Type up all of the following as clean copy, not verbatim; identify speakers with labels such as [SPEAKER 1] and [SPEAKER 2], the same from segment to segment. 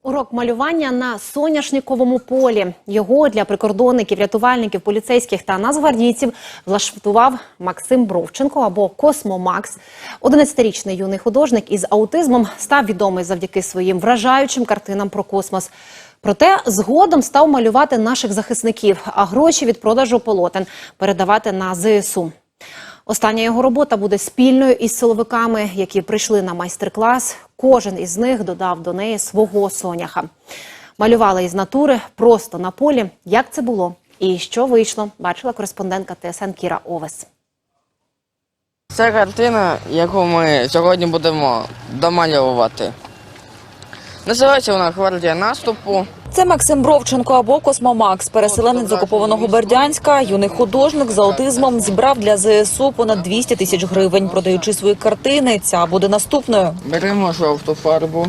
[SPEAKER 1] Урок малювання на соняшниковому полі. Його для прикордонників, рятувальників, поліцейських та нацгвардійців влаштував Максим Бровченко або Космо Макс. 11-річний юний художник із аутизмом став відомий завдяки своїм вражаючим картинам про космос. Проте згодом став малювати наших захисників, а гроші від продажу полотен передавати на ЗСУ. Остання його робота буде спільною із силовиками, які прийшли на майстер-клас. Кожен із них додав до неї свого соняха. Малювали із натури, просто на полі. Як це було і що вийшло, бачила кореспондентка ТСН Кіра Овес.
[SPEAKER 2] Це картина, яку ми сьогодні будемо домальовувати. Називається вона «Гвардія наступу».
[SPEAKER 3] Це Максим Бровченко або Космо Макс, переселенець з окупованого Бердянська, юний художник з аутизмом, зібрав для ЗСУ понад 200 тисяч гривень. Продаючи свої картини, ця буде наступною.
[SPEAKER 2] Беремо жовту фарбу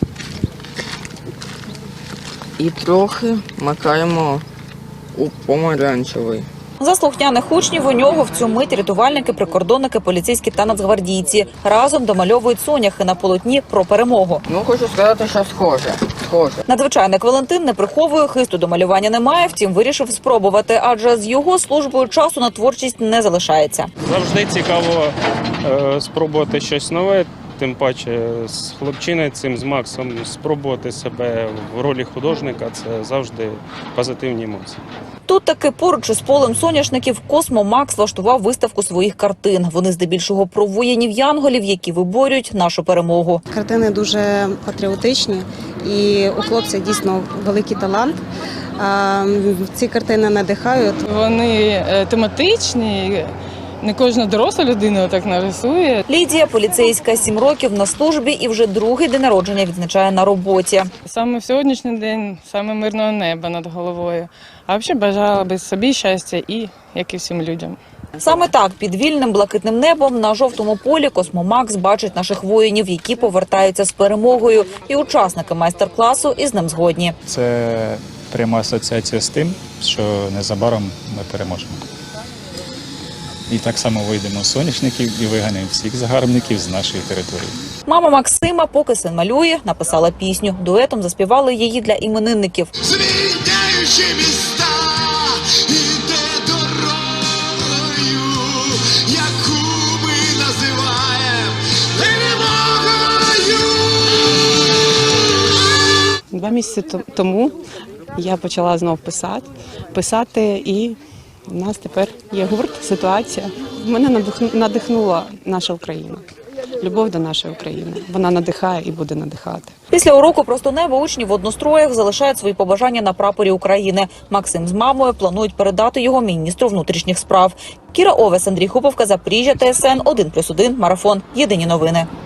[SPEAKER 2] і трохи макаємо у помаранчевий.
[SPEAKER 3] За слухняних учнів у нього в цю мить рятувальники, прикордонники, поліцейські та нацгвардійці. Разом домальовують соняхи на полотні про перемогу.
[SPEAKER 2] Ну, хочу сказати, що схоже.
[SPEAKER 3] Надзвичайник Валентин не приховує, хисту до малювання немає, втім вирішив спробувати, адже з його службою часу на творчість не залишається.
[SPEAKER 4] Завжди цікаво спробувати щось нове, тим паче з хлопчиною цим, з Максом, спробувати себе в ролі художника – це завжди позитивні емоції.
[SPEAKER 3] Тут таки поруч із полем соняшників Космо Макс влаштував виставку своїх картин. Вони здебільшого про воїнів-янголів, які виборюють нашу перемогу.
[SPEAKER 5] Картини дуже патріотичні і у хлопця дійсно великий талант. Ці картини надихають.
[SPEAKER 6] Вони тематичні. Не кожна доросла людина так нарисує.
[SPEAKER 3] Лідія, поліцейська, 7 років на службі і вже другий день народження відзначає на роботі.
[SPEAKER 6] Саме в сьогоднішній день, саме мирного неба над головою. А взагалі бажала би собі щастя і як і всім людям.
[SPEAKER 3] Саме так, під вільним блакитним небом на жовтому полі Космо Макс бачить наших воїнів, які повертаються з перемогою. І учасники майстер-класу із ним згодні.
[SPEAKER 7] Це пряма асоціація з тим, що незабаром ми переможемо. І так само вийдемо з соняшників і виганемо всіх загарбників з нашої території.
[SPEAKER 3] Мама Максима, поки син малює, написала пісню. Дуетом заспівали її для іменинників.
[SPEAKER 8] Звільняючи міста, іде дорогою, яку ми називаємо перемогою.
[SPEAKER 9] 2 місяці тому я почала знов писати і у нас тепер є гурт «Ситуація». Мене надихнула наша Україна. Любов до нашої України. Вона надихає і буде надихати.
[SPEAKER 3] Після уроку «Просто небо» учні в одностроях залишають свої побажання на прапорі України. Максим з мамою планують передати його міністру внутрішніх справ. Кіра Овес, Андрій Хуповка, Запоріжжя, ТСН 1+1, Марафон. Єдині новини.